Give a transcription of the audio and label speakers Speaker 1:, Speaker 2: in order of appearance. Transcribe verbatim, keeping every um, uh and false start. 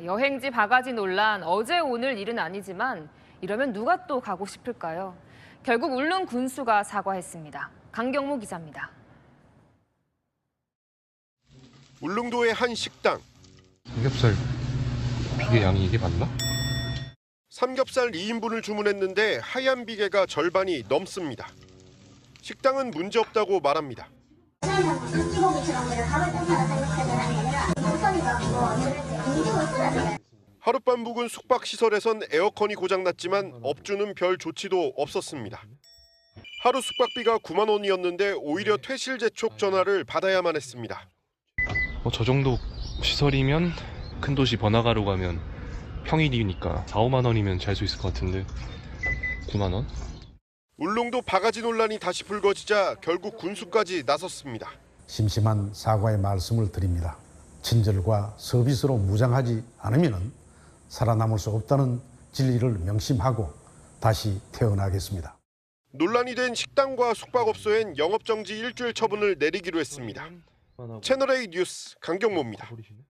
Speaker 1: 여행지 바가지 논란 어제 오늘 일은 아니지만 이러면 누가 또 가고 싶을까요? 결국 울릉 군수가 사과했습니다. 강경모 기자입니다.
Speaker 2: 울릉도의 한 식당.
Speaker 3: 삼겹살 비계 양이 이게 맞나?
Speaker 2: 삼겹살 이 인분을 주문했는데 하얀 비계가 절반이 넘습니다. 식당은 문제없다고 말합니다. 하룻밤 묵은 숙박시설에선 에어컨이 고장났지만 업주는 별 조치도 없었습니다. 하루 숙박비가 구만 원이었는데 오히려 퇴실 재촉 전화를 받아야만 했습니다.
Speaker 3: 어, 저 정도 시설이면 큰 도시 번화가로 가면 평일이니까 사, 오만 원이면 잘 수 있을 것 같은데 구만 원?
Speaker 2: 울릉도 바가지 논란이 다시 불거지자 결국 군수까지 나섰습니다.
Speaker 4: 심심한 사과의 말씀을 드립니다. 친절과 서비스로 무장하지 않으면 살아남을 수 없다는 진리를 명심하고 다시 태어나겠습니다.
Speaker 2: 논란이 된 식당과 숙박업소엔 영업정지 일주일 처분을 내리기로 했습니다. 채널A 뉴스 강경모입니다.